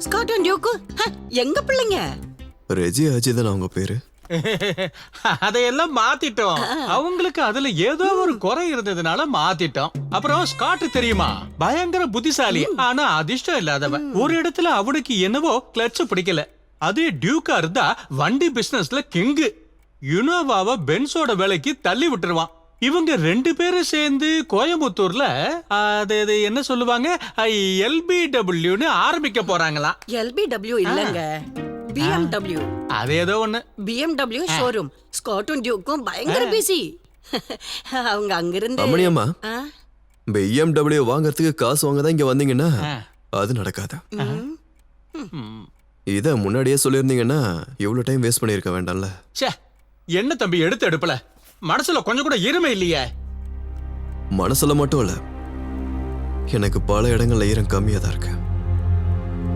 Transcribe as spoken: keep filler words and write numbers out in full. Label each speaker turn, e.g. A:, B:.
A: Scott and Duke எங்க பிள்ளைங்க?
B: ரெஜி அஜி தான் அவங்க பேரு.
C: அதையெல்லாம் மாத்திட்டோம். அவங்களுக்கு அதுல ஏதோ ஒரு குறை இருந்ததுனால மாத்திட்டோம். அப்புறம் ஸ்காட் தெரியுமா, பயங்கர புத்திசாலி, ஆனா அதிர்ஷ்டம் இல்லாதவன். ஒரு இடத்துல அவனுக்கு என்னவோ கிளட்ச் பிடிக்கல. அதே டியூக்கா இருந்தா வண்டி பிசினஸ்ல கிங்கு. யுனோவாவை பென்ஸோட வேலைக்கு தள்ளி விட்டுருவான். இவங்க ரெண்டு பேரும் சேர்ந்து கோயம்புத்தூர்ல அது அது என்ன சொல்லுவாங்க, எல்பிடபிள்யூன்னு ஆரம்பிக்க போறாங்களாம்.
A: எல்பிடபிள்யூ இல்லங்க, பிஎம்டபிள்யூ.
C: அது ஏதோ ஒண்ணு.
A: BMW showroom. ஸ்காட்டும் டியூக்கும் பயங்கர பிஸி. அவங்க அங்கிருந்து
B: அம்மணியம்மா, பிஎம்டபிள்யூ வாங்கறதுக்கு காசு வாங்க தான் இங்க வந்தீங்கன்னா அது நடக்காது. இத முன்னாடியே சொல்லியிருந்தீங்கன்னா இவ்வளவு டைம் வேஸ்ட் பண்ணிருக்க வேண்டாம்ல.
C: ச்சே, என்ன தம்பி எடுத்து எடுப்பல, மனசுல கொஞ்சம் கூட ஈரமே இல்லையே.
B: மனசுல மட்டும் இல்ல, எனக்கு பல இடங்கள்ல ஈரம் கம்மியா தான் இருக்கு.